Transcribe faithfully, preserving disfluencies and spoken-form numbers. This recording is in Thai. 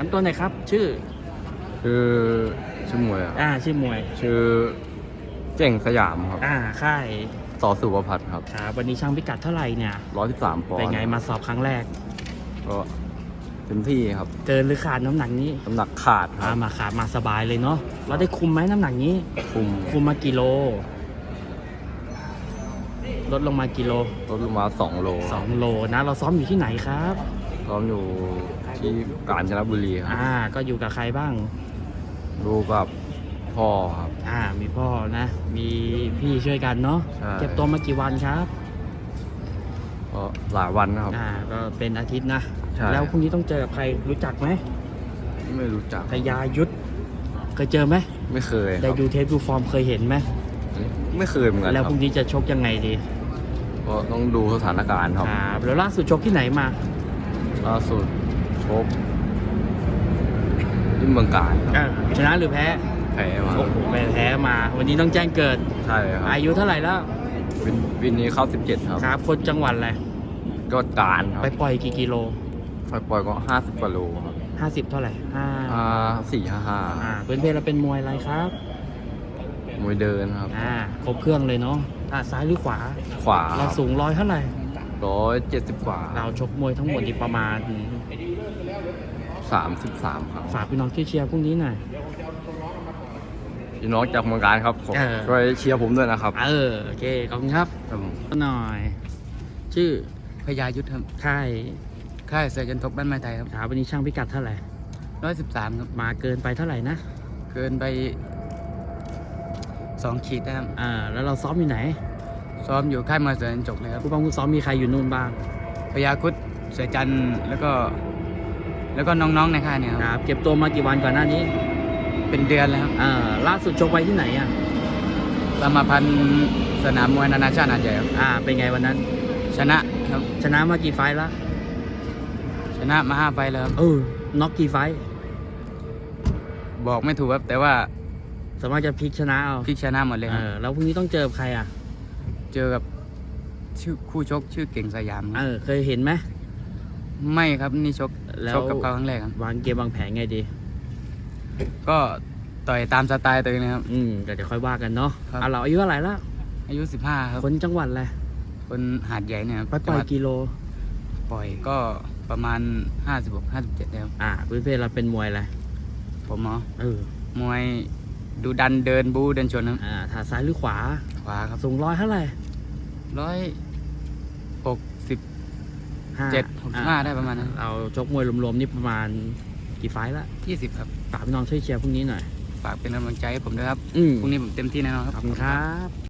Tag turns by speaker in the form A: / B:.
A: ำตัวไหนครับชื่อ
B: คือชื่อมวยอะ
A: อ่าชื่อมวย
B: ชื่อเจ๋งสยามครับ
A: อ่าค่าย
B: ต่อสุวพัฒน์ครับ
A: ครับวันนี้ช่างพิกัดเท่าไหร่เนี่ย
B: ร้อยสิบสามปอนด์
A: เป็นไงมาสอบครั้งแรก
B: ก็เต็มที่ครับ
A: เกินหรือขาดน้ำหนักนี้
B: น้ำหนักขาดครับ
A: มาขาดมาสบายเลยเนาะเราได้คุมไหมน้ำหนักนี้
B: คุม
A: คุมมากี่โลลดลงมากี่โล
B: ลดลงมาสองโล
A: สองโลนะเราซ้อมอยู่ที่ไหนครับ
B: ซ้อมอยู่ที่กาญจนบุรีครับ
A: อ่าก็อยู่กับใครบ้าง
B: ดูกับพ่อครับ
A: อ่ามีพ่อนะมีพี่ช่วยกันเนาะเก็บตัวมากี่วันครับ
B: ก็หลายวันนะครับ
A: อ่าก็เป็นอาทิตย์นะแล้วพรุ่งนี้ต้องเจอกับใครรู้จักไหม
B: ไม่รู้จัก
A: พยายุทธเคยเจอไหม
B: ไม่เคย
A: ได้ดูเทปดูฟอร์มเคยเห็นไหม
B: ไม่เคยเหมือนกัน
A: แล้วพรุ่งนี้จะชกยังไงดี
B: ก็ต้องดูสถานการณ์ครับ
A: ครับแล้วล่าสุดชกที่ไหนมา
B: ล่าสุดชกที่เมืองกาญ
A: ชนะหรือแพ้
B: แพ้มา
A: โอ้โหแพ้มาวันนี้ต้องแจ้งเกิด
B: ใช่ครับ
A: อายุเท่าไหร่แล้ว
B: วินวินนี้เข้าสิบเจ็ดครับ
A: ครับคนจังหวัดอะไร
B: ก็การครับ
A: ไปปล่อยกี่กิโล
B: ไปปล่อยก็ห้าสิบกว่าโลครับ
A: ห้าสิบเท่าไหร่ห้า
B: อ่าสี่ห้าห้า
A: อ่าเป็นเพศเราเป็นมวยอะไรครับ
B: มวยเดินครับ
A: อ่าครบเครื่องเลยเนาะถ้าซ้ายหรือขวา
B: ขวา
A: เราสูงร้อยเท่าไหร่
B: ร้อยเจ็ดสิบกว่า
A: เราชกมวยทั้งหมดนี่ประมาณ
B: สามสิบสามครับ
A: ฝากพี่น้องเชียร์พรุ่งนี้หน่อย
B: พี่น้องจากเมืองการครับช่วยเชียร์ผมด้วยนะครับ
A: เออโอเคขอบคุณครับหน่อยชื่อ
C: พยายุทธครับ
A: ค่าย
C: ค่ายเสือจันทกบ้านไม้ไทยครับ
A: ครับวันนี้ช่างพิกัดเท่าไหร่
C: ร้อยสิบสามครับ
A: มาเกินไปเท่าไหร่นะ
C: เกินไปสองขีดนะครับ
A: อ่าแล้วเราซ้อมอยู่ไหน
C: ซ้อมอยู่ค่ายมวยเสือจันทกเลยครับ
A: ผู้บังคับซ้อมมีใครอยู่นู่นบ้าง
C: พยาคุดเสือจันแล้วก็แล้วก็น้องๆในค่ายเนี่ย
A: ครับเก็บตัวมากี่วันก่อนหน้านี้
C: เป็นเดือนแล้วครับ
A: อ่าล่าสุดชกไว้ที่ไหนอ่ะ
C: สมาพันธ์สนามมวยนานาชาติหาดใหญ่ครับ
A: อ่าเป็นไงวันนั้น
C: ชนะครับ
A: ชนะมากี่ไฟล์ละ
C: ชนะมาห้าไฟล์แล้วครับ
A: เออน็อกกี่ไฟล์
C: บอกไม่ถูกครับแต่ว่า
A: สามารถจะพลิกชนะเอา
C: พลิกชนะหมดเลยครับ
A: เออแล้วพรุ่งนี้ต้องเจอใครอ่ะ
C: เจอกับชื่อคู่ชกชื่อเก่งสยาม
A: เออเคยเห็นไหม
C: ไม่ครับนี่ชกชกกับเขาครั้งแรกครับ
A: วางเกมวางแผนไงดี
C: ก็ต่อยตามสไตล์ตัวเองนะครับ
A: อืมเดี๋ยวค่อยว่ากันเนาะอ่ะเราอายุเท่าไหร่ละ
C: อายุสิบห้าครับ
A: คนจังหวัดอะไร
C: คนหาดใหญ่เนี่ย
A: ไปปล่อยกิโล
C: ปล่อยก็ประมาณห้าสิบหกห้าสิบเจ็ดแล้ว
A: อ่าพื้นเพเราเป็นมวยอะไร
C: ผมเหรอ
A: เออ
C: มวยดูดันเดินบูเดินชนครับ
A: อ่าถาซ้ายหรือขวา
C: ขวาครับ
A: สูงร้อยเท่าไหร่
C: ร้อยหกสิบเจ็ดหกสิบห้าได้ประมาณนั้น
A: เราชกมวยรวมๆนี่ประมาณกี่ไฟล์ละ
C: ยี่สิบครับ
A: ฝากพี่น้องช่วยเชียร์พรุ่งนี้หน่อย
C: ฝากเป็นกำลังใจให้ผมด้วยครับพรุ่งนี้ผมเต็มที่แน่นอนครับ
A: ขอบคุณครับ